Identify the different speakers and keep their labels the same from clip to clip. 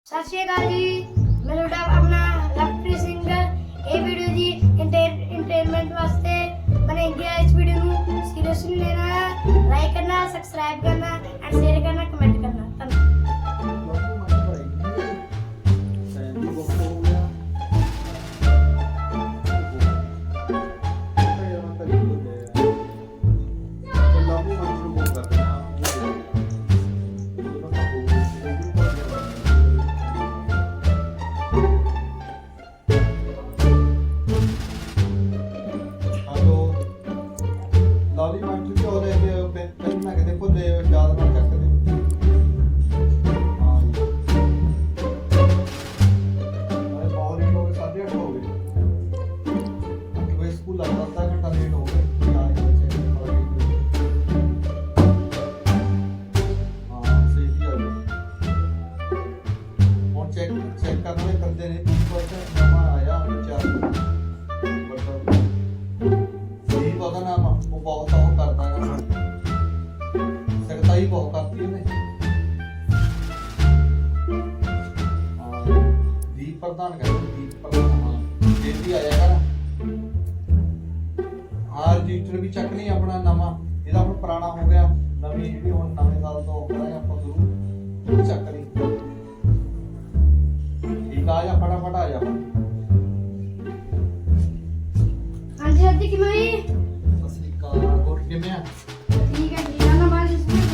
Speaker 1: सत श्री अकाल जी, मैं ਤੁਹਾਡਾ अपना लवप्रीत सिंह। ये वीडियो जी एंटरटेनमेंट वास्ते बनाई है। इस वीडियो को सीरियसली लेना है, लाइक करना, सब्सक्राइब करना एंड शेयर करना, कमेंट करना।
Speaker 2: चेक करने करते रहे 30% जमा आया 4 सही पता ना वो बहुत करता है सख्ताई बहुत करती है नहीं दीप प्रदान कर दीप प्रदान हाँ जल्दी आया कर हाँ रजिस्टर भी चेक नहीं अपना नवा ਇਹਦਾ ਹੁਣ ਪੁਰਾਣਾ ਹੋ ਗਿਆ ਨਵੀਂ ਜਿਹੜੀ ਹੁਣ ਨਵੇਂ ਸਾਲ ਤੋਂ ਕਰਾਂਗੇ ਆਪਾਂ ਸ਼ੁਰੂ ਚੈੱਕ ਕਰੀ ਠੀਕ ਆ ਜਾ ਫਟਾਫਟ ਆ ਜਾ
Speaker 1: ਹਾਂਜੀ ਅੱਜ ਕਿਵੇਂ ਹੋਈ?
Speaker 2: ਸਤਿ ਸ੍ਰੀ ਅਕਾਲ ਹੋਰ ਕਿਵੇਂ ਆ
Speaker 1: ਠੀਕ ਹੈ ਜੀ, ਨਾ ਬਾਅਦ ਇਸ ਵਿੱਚ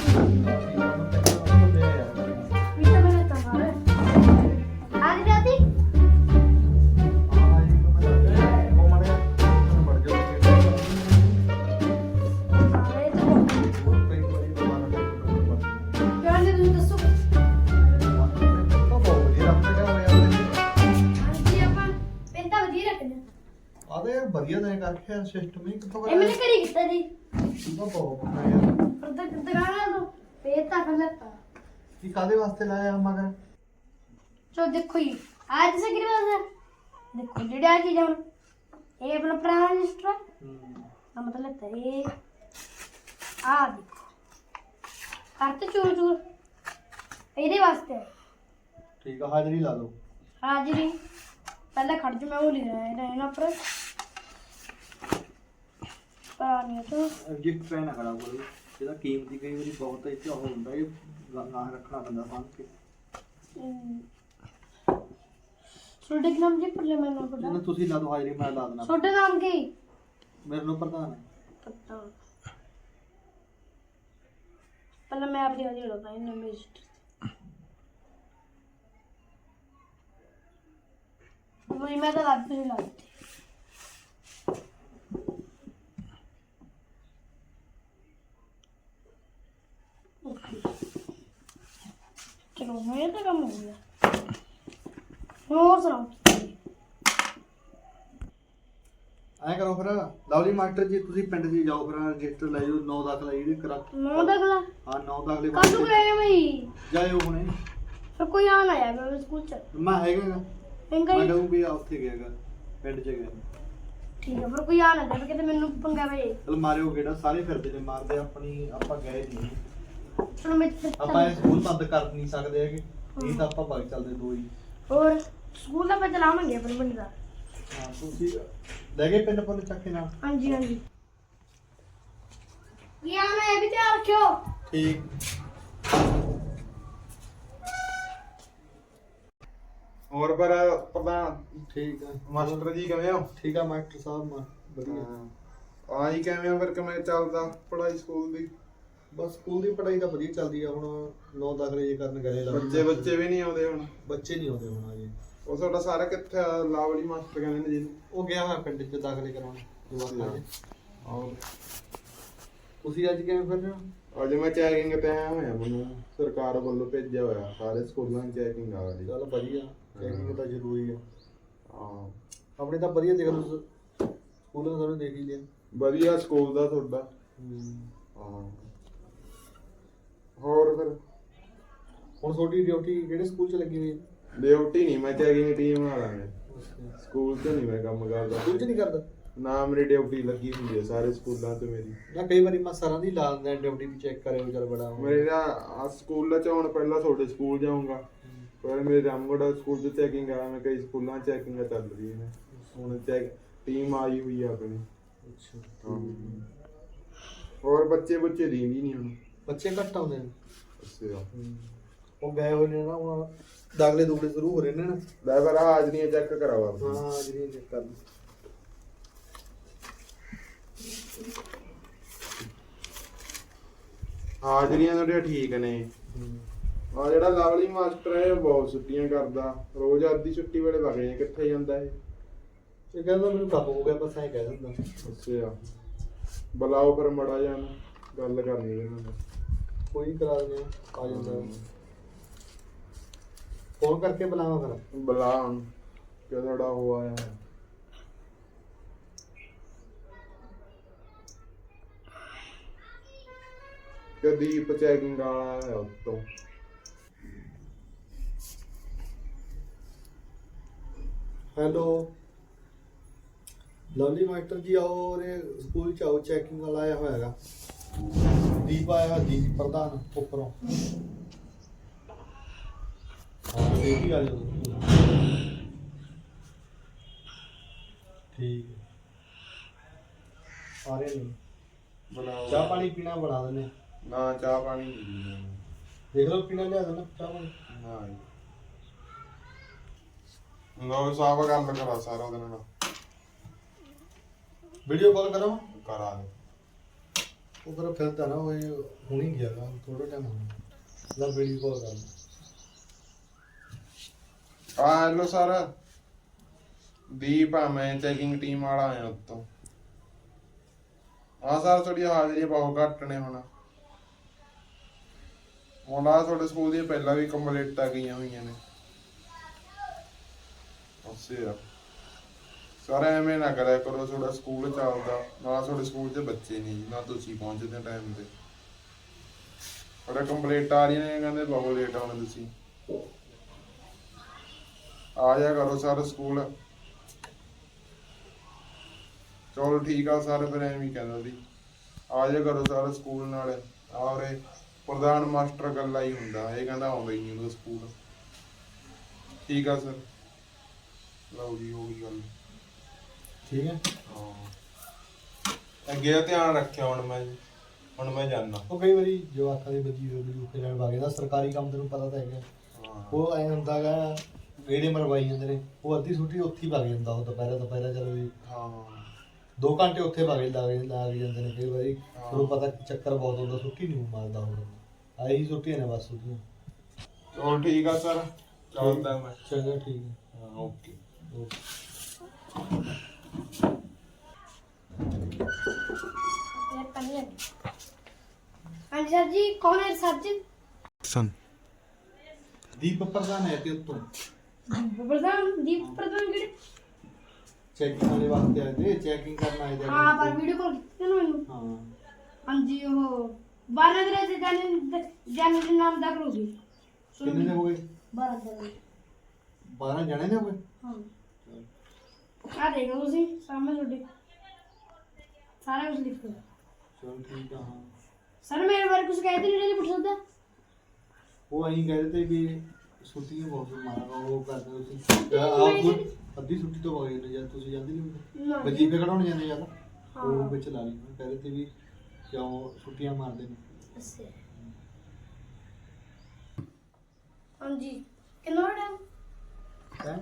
Speaker 1: ਮੀਟਾ ਬਣਾਤਾ ਮਾਰੇ आज राती
Speaker 2: ਵਧੀਆ ਤਾਂ ਕਰਕੇ ਸਿਸਟਮ ਹੀ ਕਿੱਥੋਂ
Speaker 1: ਇਹ ਮੈਨੇ ਕਰੀ ਕੀਤਾ ਜੀ
Speaker 2: ਤੂੰ ਤਾਂ ਬਹੁਤ ਪਤਾ ਯਾਰ
Speaker 1: ਪਰ ਦੁਕਾਨਾਂ ਤੋਂ ਪੇਤਾ ਫਲਤਾ
Speaker 2: ਕੀ ਕਾਦੇ ਵਾਸਤੇ ਲਾਇਆ ਮਗਰ
Speaker 1: ਚੋ ਦੇਖੋ ਜੀ आज से गिरवा है देखो जेड़ा चीज है ये अपना पुराना रजिस्टर है मतलब है ये आ देखो करते चूर चूर ਇਹਦੇ ਵਾਸਤੇ
Speaker 2: ਠੀਕ ਆ ਹਾਜ਼ਰੀ ਲਾ ਦੋ
Speaker 1: ਹਾਜ਼ਰੀ ਪਹਿਲਾਂ ਖੜ ਜਾ ਮੈਂ ਉਹ ਲਿਖ ਰਿਹਾ ਇਹਨਾਂ ਪਰ ਪਾਣੀ ਤੋਂ
Speaker 2: ਰਜਿਸਟਰ ਪੈਨ ਖੜਾ ਕਰੋ ਜਿਹਦਾ ਕੀਮਤੀ ਕਈ ਵਾਰੀ ਬਹੁਤ ਇੱਥੇ ਉਹ ਹੁੰਦਾ ਇਹ ਨਾ ਰੱਖਣਾ ਪੈਂਦਾ ਸੰਭ ਕੇ
Speaker 1: ਛੋਟੇ ਨਾਮ ਜੀ ਪਰਲੇ ਮੈਂ ਨਾਮ ਪਤਾ
Speaker 2: ਜਿਹਨੂੰ ਤੁਸੀਂ ਲਾ ਦੋ ਹਾਜ਼ਰੀ ਮੈਂ ਲਾ ਦੇਣਾ
Speaker 1: ਛੋਟੇ ਨਾਮ ਕੀ
Speaker 2: ਮੇਰੇ ਨੂੰ ਪ੍ਰਧਾਨ ਹੈ
Speaker 1: ਪਤਾ ਪਹਿਲਾਂ ਮੈਂ ਆਪਣੀ ਹਾਜ਼ਰੀ ਲਾਉਂਦਾ ਇਹਨਾਂ ਵਿੱਚ मैं तो लाती नहीं लाती चलो मेरे तो कम हो गया और सुनाओ
Speaker 2: ਐ ਕਰੋ ਫਿਰ ਲਵਲੀ ਮਾਸਟਰ ਜੀ ਤੁਸੀਂ ਪਿੰਡ 'ਚ ਜਾਓ ਫਿਰ ਰਜਿਸਟਰ ਲੈ ਜਾਓ 9 ਦਾਖਲਾ ਜਿਹੜੀ ਕਰਾ
Speaker 1: 9 दाखला
Speaker 2: ਹਾਂ 9 ਦਾਖਲੇ
Speaker 1: कब तक रहेगा भाई
Speaker 2: ਜਾਇਓ ਹੁਣੇ
Speaker 1: फिर कोई आना है मैं स्कूल चल
Speaker 2: ਮੈਂ ਹੈਗਾ
Speaker 1: इंगा
Speaker 2: ਮੈਂ ਕਹੂੰ ਵੀ ਆ ਉੱਥੇ ਗਿਆਗਾ ਪਿੰਡ 'ਚ ਗਿਆ
Speaker 1: ठीक है फिर कोई आना है कहते मैंने पंगा भाई
Speaker 2: ਚਲ ਮਾਰਿਓ ਗੇੜਾ ਸਾਰੇ ਫਿਰਦੇ ਨੇ ਮਾਰਦੇ ਆਪਣੀ ਆਪਾਂ ਗਏ ਨਹੀਂ
Speaker 1: चलो मैं
Speaker 2: ਆਪਾਂ ਇਹ ਸਕੂਲ ਬੰਦ ਕਰ ਨਹੀਂ ਸਕਦੇ ਹੈਗੇ ਇਹ ਤਾਂ ਆਪਾਂ ਬਾਗ ਚੱਲਦੇ ਦੋ ਹੀ
Speaker 1: और स्कूल का पे चलावांगे अपन पिंड दा
Speaker 2: ਹਾਂ ਤੁਸੀਂ ਲੈ ਗਏ ਪਿੰਡ ਪੁੰਨ ਚੱਕੇ ਨਾਲ
Speaker 1: हाँ जी हाँ जी ये आना है भी तैयार रखियो
Speaker 2: ਠੀਕ
Speaker 3: ਹੋਰ ਪਰ ਪ੍ਰਧਾਨ
Speaker 2: ਠੀਕ ਆ
Speaker 3: ਮਾਸਟਰ ਜੀ ਕਿਵੇਂ ਹੋ
Speaker 2: ਠੀਕ ਆ ਮਾਸਟਰ ਸਾਹਿਬ ਵਧੀਆ
Speaker 3: ਆਹੀ ਕਿਵੇਂ ਆ ਫਿਰ ਕਿਵੇਂ ਚੱਲਦਾ ਪੜ੍ਹਾਈ ਸਕੂਲ ਦੀ
Speaker 2: ਬਸ ਸਕੂਲ ਦੀ ਪੜ੍ਹਾਈ ਤਾਂ ਵਧੀਆ ਚੱਲਦੀ ਆ ਹੁਣ 9 ਦਾਖਲੇ ਜੇ ਕਰਨ ਗਏ
Speaker 3: ਬੱਚੇ ਵੀ ਨਹੀਂ ਆਉਂਦੇ ਹੁਣ
Speaker 2: ਬੱਚੇ ਨਹੀਂ ਆਉਂਦੇ ਹੁਣ ਅਜੇ
Speaker 3: ਉਹ ਤੁਹਾਡਾ ਸਾਰਾ ਕਿੱਥੇ ਆ? ਲਾਵਲੀ ਮਾਸਟਰ ਕਹਿੰਦੇ ਨੇ ਜੀ
Speaker 2: ਉਹ ਗਿਆ ਮੈਂ ਪਿੰਡ 'ਚ ਦਾਖਲੇ ਕਰਾਉਣ ਜਵਾਕਾਂ ਦੇ
Speaker 3: ਔਰ
Speaker 2: ਤੁਸੀਂ ਅੱਜ ਕਿਵੇਂ ਫਿਰ ਰਹੇ ਹੋ
Speaker 3: ਅੱਜ ਮੈਂ ਚੈਕਿੰਗ ਤੇ ਆਇਆ ਹੋਇਆ ਮੈਨੂੰ ਸਰਕਾਰ ਵੱਲੋਂ ਭੇਜਿਆ ਹੋਇਆ ਸਾਰੇ ਸਕੂਲਾਂ 'ਚ ਚੈਕਿੰਗ ਆ ਰਹੀ
Speaker 2: ਚੱਲ ਵਧੀਆ ਚੈਕਿੰਗ ਤਾਂ ਜ਼ਰੂਰੀ ਆ
Speaker 3: ਹਾਂ
Speaker 2: ਆਪਣੇ ਤਾਂ ਵਧੀਆ ਦੇਖ ਲਓ ਸਕੂਲਾਂ ਤੁਹਾਨੂੰ ਦੇਖ ਹੀ ਲਿਆ
Speaker 3: ਵਧੀਆ ਸਕੂਲ ਦਾ ਤੁਹਾਡਾ ਹਾਂ ਹੋਰ ਫਿਰ
Speaker 2: ਹੁਣ ਤੁਹਾਡੀ ਡਿਊਟੀ ਕਿਹੜੇ ਸਕੂਲ 'ਚ ਲੱਗੀ ਹੋਈ ਹੈ
Speaker 3: ਡਿਊਟੀ ਨਹੀਂ ਮੈਂ ਚੈਕਿੰਗ ਟੀਮ ਵਾਲਾ ਮੈਂ ਸਕੂਲ 'ਚ ਨਹੀਂ ਮੈਂ ਕੰਮ ਕਰਦਾ
Speaker 2: ਸਕੂਲ 'ਚ ਨਹੀਂ ਕਰਦਾ
Speaker 3: ਨਾ ਮੇਰੀ ਡਿਊਟੀ ਲੱਗੀ ਹੁੰਦੀ ਹੈ ਸਾਰੇ ਸਕੂਲਾਂ 'ਚ ਮੇਰੀ
Speaker 2: ਜਾਂ ਕਈ ਵਾਰੀ ਮੈਂ ਸਰਾਂ ਦੀ ਲਾ ਦਿੰਦਾ ਡਿਊਟੀ ਵੀ ਚੈੱਕ ਕਰਿਓ ਚੱਲ ਬੜਾ
Speaker 3: ਮੇਰਾ ਸਕੂਲ 'ਚ ਹੁਣ ਪਹਿਲਾਂ ਤੁਹਾਡੇ ਸਕੂਲ ਜਾਊਂਗਾ ਪਰ ਮੇਰੇ ਰਾਮਗੜ੍ਹ ਸਕੂਲ 'ਚ ਚੈਕਿੰਗ ਆ, ਮੈਂ ਕਈ ਸਕੂਲਾਂ 'ਚ ਚੈਕਿੰਗ ਚੱਲ ਰਹੀ ਨੇ ਹੁਣ। ਚੈੱਕ ਟੀਮ ਆਈ ਹੋਈ ਆ ਆਪਣੀ।
Speaker 2: ਅੱਛਾ
Speaker 3: ਹੋਰ ਬੱਚੇ ਦੀਂਦੀ ਨਹੀਂ ਹੁਣ,
Speaker 2: ਬੱਚੇ ਘੱਟ ਆਉਂਦੇ ਨੇ।
Speaker 3: ਅੱਛਾ
Speaker 2: ਉਹ ਗਏ ਹੋਏ ਨੇ ਨਾ, ਹੁਣ ਦਾਖਲੇ ਦੂਖਲੇ ਸ਼ੁਰੂ ਹੋ ਰਹੇ ਨੇ ਨਾ।
Speaker 3: ਲੈ ਪਰ ਹਾਜ਼ਰੀਆਂ ਚੈੱਕ ਕਰਾਵਾ।
Speaker 2: ਹਾਂ ਜਿਹੜੀ ਚੈੱਕ ਕਰ ਲਓ।
Speaker 3: ਹਾਜ਼ਰੀਆਂ ਤੁਹਾਡੀਆਂ ਠੀਕ ਨੇ। ਆ ਜਿਹੜਾ ਲਵਲੀ ਮਾਸਟਰ ਹੈ ਉਹ ਬਹੁਤ ਛੁੱਟੀਆਂ ਕਰਦਾ, ਰੋਜ਼ ਅੱਧੀ ਛੁੱਟੀ ਵੇਲੇ ਵਗ ਜਾਂਦੇ। ਕਿੱਥੇ ਜਾਂਦਾ ਇਹ
Speaker 2: ਕਹਿੰਦਾ ਮੈਨੂੰ ਕੰਮ ਹੋ ਗਿਆ, ਬਸ ਐਂ ਕਹਿ ਦਿੰਦਾ।
Speaker 3: ਅੱਛਾ ਬੁਲਾਓ ਫਿਰ ਮੜਾ ਜਾਣ, ਗੱਲ ਕਰਨੀ ਇਹਨਾਂ ਨਾਲ।
Speaker 2: ਕੋਈ ਕਰਾ ਦਿੰਦੇ ਆ ਜਾਂਦਾ। ਫੋਨ ਕਰਕੇ ਬੁਲਾਵਾਂ ਫਿਰ?
Speaker 3: ਬੁਲਾ ਹੁਣ ਕਿ ਤੁਹਾਡਾ ਉਹ ਆਇਆ ਹੈ। ਦੀਪ ਚੈਕਿੰਗ ਵਾਲਾ ਹੈ ਉੱਤੋਂ।
Speaker 2: ਹੈਲੋ ਲਵਲੀ ਮਾਸਟਰ ਜੀ, ਆਓ ਰੇ ਸਕੂਲ ਚ ਆਓ, ਚੈਕਿੰਗ ਵਾਲਾ ਆਇਆ ਹੋਇਆ ਹੈਗਾ। ਦੀਪ ਆਇਆ, ਦੀਪ ਪ੍ਰਧਾਨ ਉੱਪਰੋਂ। ਹਾਂ ਇਹ ਵੀ ਆ ਜਾਓ। ਠੀਕ ਹੈ, ਆ ਰਹੇ ਨੇ।
Speaker 3: ਬਣਾਓ
Speaker 2: ਚਾਹ ਪਾਣੀ ਪੀਣਾ ਬਣਾ ਦਿੰਦੇ।
Speaker 3: ਨਾ ਚਾਹ ਪਾਣੀ ਨਹੀਂ ਪੀਣਾ।
Speaker 2: ਦੇਖ ਲਓ ਪੀਣਾ ਲਿਆ ਦੇਣਾ ਚਾਹ ਪਾਣੀ।
Speaker 3: ਨਾ ਲੋ ਸਾਬ ਗੱਲ ਕਰਾ ਸਾਰਾ ਉਹਦੇ ਨਾਲ।
Speaker 2: ਵੀਡੀਓ ਕਾਲ ਕਰਾਂ?
Speaker 3: ਕਰਾ ਦੇ।
Speaker 2: ਉਹ ਕਰ ਫਿਰਦਾ ਨਾ, ਉਹ ਹੁਣੀ ਗਿਆ ਗਾ, ਥੋੜਾ ਟਾਈਮ ਹੋਣਾ। ਲੈ ਵੀਡੀਓ ਕਾਲ ਕਰ।
Speaker 3: ਹੈਲੋ ਸਰ, ਦੀਪ ਆ, ਮੈਂ ਚੈਕਿੰਗ ਟੀਮ ਵਾਲਾ ਆਇਆ ਉੱਤੋਂ। ਹਾਂ ਸਰ, ਤੁਹਾਡੀ ਹਾਜ਼ਰੀ ਬਹੁਤ ਘੱਟ ਨੇ ਹੁਣ। ਹੁਣ ਆ ਤੁਹਾਡੇ ਸਕੂਲ ਦੀਆਂ ਪਹਿਲਾਂ ਵੀ ਕੰਪਲੀਟਾਂ ਗਈਆਂ ਹੋਈਆਂ ਨੇ। ਅੱਛਾ ਸਰ, ਐਵੇਂ ਨਾ ਕਰਿਆ ਕਰੋ, ਤੁਹਾਡਾ ਸਕੂਲ ਚੱਲਦਾ ਨਾ, ਤੁਹਾਡੇ ਸਕੂਲ 'ਚ ਬੱਚੇ ਨਹੀਂ ਜੀ, ਨਾ ਤੁਸੀਂ ਪਹੁੰਚਦੇ ਟਾਈਮ ਤੇ। ਤੁਹਾਡਾ ਕੰਪਲੀਟ ਆ ਰਹੀਆਂ ਨੇ, ਕਹਿੰਦੇ ਬਹੁਤ ਲੇਟ ਆਉਣੇ ਤੁਸੀਂ। ਆ ਜਾ ਕਰੋ ਸਰ ਸਕੂਲ। ਚਲੋ ਠੀਕ ਆ ਸਰ, ਫਿਰ ਐਵੇਂ ਕਹਿੰਦਾ ਸੀ ਆ ਜਾ ਕਰੋ ਸਰ ਸਕੂਲ ਨਾਲ। ਔਰ ਪ੍ਰਧਾਨ ਮਾਸਟਰ ਗੱਲਾਂ ਹੀ ਹੁੰਦਾ, ਇਹ ਕਹਿੰਦਾ ਆਉਂਦਾ ਹੀ ਨਹੀਂ ਉਹਦਾ ਸਕੂਲ। ਠੀਕ ਆ ਸਰ, ਲਓ ਜੀ ਹੋ ਗਈ ਗੱਲ।
Speaker 2: ਠੀਕ ਹੈ।
Speaker 3: ਹਾਂ ਅੱਗੇ ਦਾ ਧਿਆਨ ਰੱਖਿਆ ਹੁਣ ਮੈਂ ਜਾਣਾ।
Speaker 2: ਉਹ ਕਈ ਵਾਰੀ ਜਵਾਕਾਂ ਦੀ ਬੱਜੀ ਰੁਕੇ ਲੈਣ ਵਗ ਜਾਂਦਾ, ਸਰਕਾਰੀ ਕੰਮ ਤੈਨੂੰ ਪਤਾ ਤਾਂ ਹੈਗਾ। ਉਹ ਐਂ ਹੁੰਦਾ ਗਾ, ਗੇੜੇ ਮਰਵਾਈ ਜਾਂਦੇ ਨੇ। ਉਹ ਅੱਧੀ ਛੁੱਟੀ ਉੱਥੇ ਹੀ ਵਗ ਜਾਂਦਾ, ਉਹ ਦੁਪਹਿਰਾ ਚਲੋ ਵੀ।
Speaker 3: ਹਾਂ
Speaker 2: 2 ਘੰਟੇ ਉੱਥੇ ਲੱਗ ਜਾਂਦੇ ਨੇ ਕਈ ਵਾਰੀ। ਤੁਹਾਨੂੰ ਪਤਾ ਚੱਕਰ ਬਹੁਤ ਹੁੰਦਾ, ਛੁੱਟੀ ਨਹੀਂ ਮਾਰਦਾ ਹੁਣ। ਆਹੀ ਛੁੱਟੀਆਂ ਨੇ ਬਸ ਉਹਦੀਆਂ।
Speaker 3: ਚਲੋ ਠੀਕ ਆ ਸਰ, ਚੱਲਦਾ ਮੈਂ।
Speaker 2: ਚੰਗਾ ਠੀਕ ਹੈ।
Speaker 3: ਹਾਂ ਓਕੇ।
Speaker 1: हाँ सर जी, कौन है सर जी?
Speaker 3: सन
Speaker 2: ਦੀਪ ਪ੍ਰਧਾਨ ਹੈ ਤੇ ਉੱਤੋਂ
Speaker 1: प्रधान दीप प्रधान किहड़े?
Speaker 2: ਚੈਕਿੰਗ ਵਾਲੇ ਵਾਸਤੇ ਆਏ ਤੇ, ਚੈਕਿੰਗ ਕਰਨ ਆਏ ਤੇ।
Speaker 1: हाँ पर वीडियो कॉल की ना मैंने।
Speaker 2: ਹਾਂ
Speaker 1: हाँ जी, वो 12 दिन से जाने के नाम दाखिल हो गई।
Speaker 2: ਕਿੰਨੇ ਦੇ ਹੋ ਗਏ?
Speaker 1: 12 दिन।
Speaker 2: 12 ਜਣੇ ਨੇ ਹੋ ਗਏ।
Speaker 1: हाँ आ देखो तुसी सामने छोटे सारा कुछ लिखो।
Speaker 2: ਚਲ ਠੀਕ ਆ। ਹਾਂ
Speaker 1: सर मेरे बारे कुछ कहते नहीं रहे, पूछ सकता?
Speaker 2: ਉਹ ਅਸੀਂ ਕਹਿ ਦਿੱਤੇ ਵੀ ਛੁੱਟੀਆਂ ਬਹੁਤ ਮਾਰਾ ਉਹ ਕਰਦੇ ਤੁਸੀਂ। ਆਪ ਅੱਧੀ ਛੁੱਟੀ ਤੋਂ ਵਗ ਜਾਂਦੇ ਜਦ ਤੁਸੀਂ ਜਾਂਦੇ ਨਹੀਂ
Speaker 1: ना
Speaker 2: ਵਜੀਫੇ ਕਢਾਉਣ ਜਾਂਦੇ ਜਦ।
Speaker 1: हाँ।
Speaker 2: ਉਹ ਵਿੱਚ ਲਾ ਲਈ ਕਹਿ ਦਿੱਤੇ ਵੀ ਕਿਉਂ ਛੁੱਟੀਆਂ ਮਾਰਦੇ ਨੇ।
Speaker 1: इससे हाँ जी कितना टाइम?
Speaker 2: ਹੈ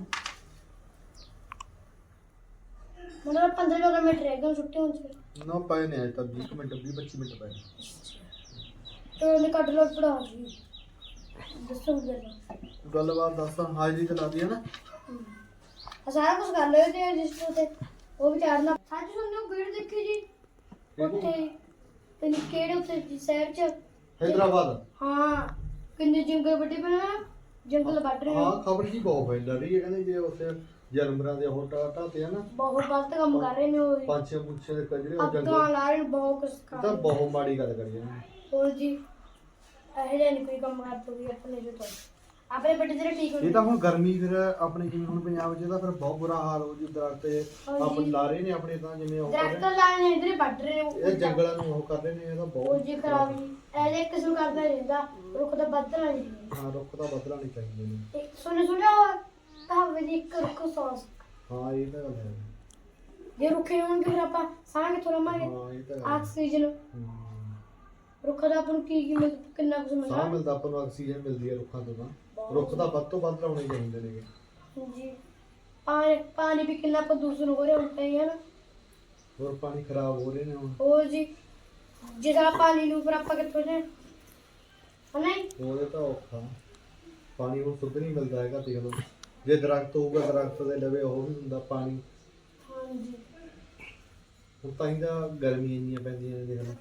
Speaker 1: मतलब 15 मिनट रह गए छुट्टी होने।
Speaker 2: ਨਾ ਪਏ ਨੇ ਅਜੇ ਤੱਕ 20 ਮਿੰਟ 25 ਮਿੰਟ ਪਏ।
Speaker 1: तो उन्हें कट लो पड़ा जी दसो जरा
Speaker 2: ਗੱਲਬਾਤ ਦੱਸ। ਹਾਜ਼ਰੀ ਤੇ ਲਾਦੀ ਹੈ ਨਾ।
Speaker 1: सारा कुछ कर लो ते रजिस्टर ते वो भी चाड़ना सच सुनो भीड़ देखी जी ਉੱਥੇ ਤੇ ਕਿਹੜੇ ਉੱਥੇ ਸ਼ਹਿਰ ਚ
Speaker 2: ਹੈਦਰਾਬਾਦ।
Speaker 1: ਹਾਂ ਕਿੰਨੇ ਜੰਗਲ ਵੱਡੇ ਪਏ ਨਾ, ਜੰਗਲ ਵੱਢ ਰਹੇ
Speaker 2: ਹਾਂ ਖਬਰ ਜੀ ਬਹੁਤ ਫੈਲ ਰਹੀ ਹੈ, ਕਹਿੰਦੇ ਜੇ ਉੱਥੇ ਜਾਨਵਰਾਂ ਦੇ ਹੋਟਾ ਤੇ ਆ ਨਾ,
Speaker 1: ਬਹੁਤ ਗਲਤ ਕੰਮ ਕਰ ਰਹੇ ਨੇ ਉਹ।
Speaker 2: ਪੰਛੀਆਂ ਪੁੱਛੇ ਦੇ ਕਜਰੇ ਉਹ
Speaker 1: ਅੱਗਾਂ
Speaker 2: ਜੰਗਲ
Speaker 1: ਲਾ ਰਹੇ ਨੇ, ਬਹੁਤ ਕੁਛ ਕਰ
Speaker 2: ਤਾਂ
Speaker 1: ਰਹੇ ਨੇ।
Speaker 2: ਬਹੁਤ ਮਾੜੀ ਗੱਲ ਕਰੀ ਇਹਨਾਂ ਨੇ।
Speaker 1: ਹੋਰ ਜੀ ਇਹੋ ਜਿਹਾ ਨਹੀਂ ਕੋਈ ਕੰਮ ਕਰ ਤੋਗੀ ਆਪਣੇ ਜੋ ਤੋਂ ਆਪਣੇ ਬੱਟੇ ਤੇਰੇ ਠੀਕ ਹੋ
Speaker 2: ਇਹ ਤਾਂ ਹੁਣ ਗਰਮੀ ਫਿਰ ਆਪਣੇ ਜਿਵੇਂ ਹੁਣ ਪੰਜਾਬ 'ਚ ਤਾਂ ਫਿਰ ਬਹੁਤ ਬੁਰਾ ਹਾਲ ਹੋ ਜੂ ਦਰਖਤ ਆਪਣੇ ਲਾ ਰਹੇ ਨੇ ਆਪਣੇ ਤਾਂ ਜਿਵੇਂ ਉਹ ਕਰ
Speaker 1: ਦਰਖਤ
Speaker 2: ਰਹੇ
Speaker 1: ਲਾਣੇ ਨੇ ਇਧਰੇ ਵੱਢ ਰਹੇ ਨੇ
Speaker 2: ਨੇ ਇਹ ਜੰਗਲਾਂ ਨੂੰ ਉਹ ਕਰ ਰਹੇ ਨੇ ਇਹਦਾ
Speaker 1: ਉਹ
Speaker 2: ਬਹੁਤ
Speaker 1: ਜੀ ਖਰਾਬ ਜੀ ਐਦੇ ਕਿਸਮ ਕਰਦਾ ਰਹਿੰਦਾ ਰੁੱਖ ਦਾ ਵੱਧਣਾ ਨਹੀਂ
Speaker 2: ਹਾਂ ਰੁੱਖ ਤਾਂ ਬਦਲਣਾ ਨਹੀਂ ਚਾਹੀਦੇ ਨੇ
Speaker 1: ਇੱਕ ਸੁਣਿਆ ਕਹਾਵਤ ਦੀ ਇੱਕ ਰੁੱਖ 100
Speaker 2: ਹਾਂ ਇਹ ਤਾਂ ਗੱਲ ਹੈ
Speaker 1: ਜੇ ਰੁੱਖੇ ਹੋਣਗੇ ਫਿਰ ਆਪਾਂ ਸਾਹ ਕਿੱਥੋਂ ਲਵਾਂਗੇ
Speaker 2: ਹਾਂ ਇਹ ਤਾਂ ਗੱਲ ਹੈ।
Speaker 1: ਆਕਸੀਜਨ ਰੁੱਖ ਦਾ ਆਪਾਂ ਨੂੰ ਕੀ ਕਿੰਨਾ ਕੁਝ
Speaker 2: ਸਾਹ
Speaker 1: ਮਿਲਦਾ
Speaker 2: ਮਿਲਦਾ ਆਪਾਂ ਨੂੰ ਆਕਸੀਜਨ ਮਿਲਦੀ ਹੈ ਰੁੱਖਾਂ ਤੋਂ ਤਾਂ ਰੁੱਖ ਤਾਂ ਵੱਧ ਤੋਂ ਵੱਧ ਲਾਉਣੇ ਚਾਹੀਦੇ ਨੇ
Speaker 1: ਜੀ ਪਾਣੀ ਵੀ ਕਿੰਨਾ ਪ੍ਰਦੂਸ਼ਣ ਹੋ ਰਿਹਾ ਹੁੰਦਾ ਹੀ ਹੈ ਨਾ
Speaker 2: ਹੋਰ ਪਾਣੀ ਖਰਾਬ ਹੋ ਰਹੇ ਨੇ ਹੁਣ
Speaker 1: ਹੋਰ ਜੀ ਜਿਹੜਾ ਪਾਣੀ ਨੂੰ ਫਿਰ ਆਪਾਂ ਕਿੱਥੋਂ ਲੈ ਨਹੀਂ
Speaker 2: ਉਹਦੇ ਤਾਂ ਔਖਾ ਪਾਣੀ ਹੁਣ ਸ਼ੁੱਧ ਨਹੀਂ ਮਿਲਦਾ ਹੈਗਾ ਦੇਖ ਲਓ ਜੇ ਦਰਖਤ ਹੋਊਗਾ ਦਰਖਤ ਦੇ ਲਵੇ ਉਹ ਵੀ ਹੁੰਦਾ ਪਾਣੀ
Speaker 1: ਹਾਂਜੀ
Speaker 2: ਹੁਣ ਤਾਂ ਹੀ ਤਾਂ ਗਰਮੀ ਇੰਨੀਆਂ ਪੈਂਦੀਆਂ ਨੇ ਦੇਖ ਲਓ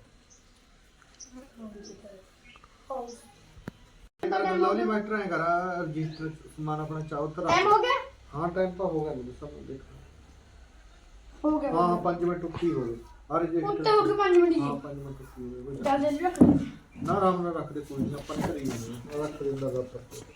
Speaker 2: ਲਵਲੀ ਮਾਸਟਰ ਐ ਕਰਾ ਰਜਿਸਟਰ ਸਮਾਨ ਆਪਣਾ ਚਾਹੋ ਤਾਂ
Speaker 1: ਟਾਈਮ ਹੋ ਗਿਆ
Speaker 2: ਹਾਂ ਟਾਈਮ ਤਾਂ ਹੋ ਗਿਆ ਮੈਨੂੰ ਸਭ ਦੇਖ
Speaker 1: ਹੋ ਗਿਆ
Speaker 2: ਹਾਂ 5 ਮਿੰਟ ਉੱਤੀ ਹੋ ਗਏ ਆ
Speaker 1: ਉੱਤੇ
Speaker 2: ਰਜਿਸਟਰ
Speaker 1: ਹੋ ਕੇ 5 ਮਿੰਟ
Speaker 2: ਹਾਂ
Speaker 1: ਜੀ
Speaker 2: 5 ਮਿੰਟ ਉੱਤੀ ਹੋ ਗਏ
Speaker 1: ਚੱਲ ਜਲਦੀ ਰੱਖ
Speaker 2: ਨਾ ਆਰਾਮ ਨਾਲ ਰੱਖ ਦੇ ਕੋਈ ਨਹੀਂ ਆਪਾਂ ਘਰੇ ਹੀ ਜਾਂਦੇ ਹਾਂ ਰੱਖ ਦਿੰਦਾ ਰੱਬ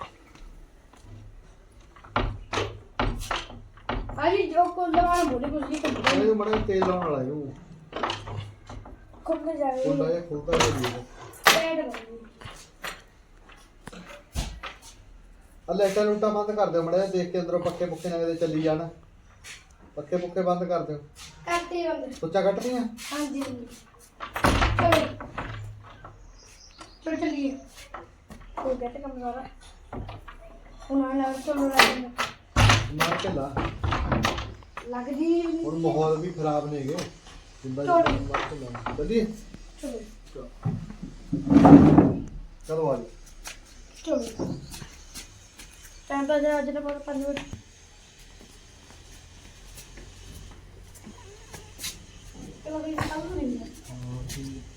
Speaker 1: ਹਾਂਜੀ ਜੋ ਕੋਲ ਲਵਾਣਾ ਬੋਲੇ ਕੁਝ ਨਹੀਂ ਕਰਦਾ
Speaker 2: ਇਹ ਮੜਾ ਤੇਲ ਲਾਉਣ ਵਾਲਾ ਇਹਨੂੰ
Speaker 1: ਖੁੱਲ ਜਾਵੇ
Speaker 2: ਖੁੱਲਦਾ ਇਹ ਖੁੱਲਦਾ ਨਹੀਂ
Speaker 1: ਪੈਡ
Speaker 2: ਆ ਲਾਈਟਾਂ ਲੂਟਾਂ ਬੰਦ ਕਰ ਦਿਓ ਮੜਾ ਦੇਖ ਕੇ ਅੰਦਰੋਂ ਪੱਕੇ ਪੁੱਕੇ ਨਾ ਕਿਤੇ ਚੱਲੀ ਜਾਣ ਪੱਕੇ ਪੁੱਕੇ ਬੰਦ ਕਰ ਦਿਓ
Speaker 1: ਕਰਤੇ ਬੰਦ
Speaker 2: ਸੁੱਚਾ ਕੱਟਦੀਆਂ
Speaker 1: ਹਾਂਜੀ ਚਲੋ ਚਲੋ ਚਲੀਏ ਹੋ ਗਿਆ ਤੇ ਕੰਮ ਸਾਰਾ ਹੁਣ ਆ ਨਾਲ ਚਲੋ
Speaker 2: ਮਾਰ ਕੇ ਲਾ
Speaker 1: ਲੱਗਦੀ
Speaker 2: ਹੁਣ ਮਾਹੌਲ ਵੀ ਖਰਾਬ ਨੇਗੇ ਜਿੰਦਾ
Speaker 1: ਚਲੋ।
Speaker 2: ਮਾਰ ਕੇ ਲਾ ਚੱਲੀਏ
Speaker 1: ਚਲੋ
Speaker 2: ਚਲੋ ਆ ਜੀ
Speaker 1: ਚਲੋ ਟਾਈਮ ਤਾਂ ਜਰਾ ਅੱਜ ਦਾ 5 ਮਿੰਟ ਚਲੋ ਵੀ ਕੰਮ ਨਹੀਂ
Speaker 2: ਹਾਂ ਠੀਕ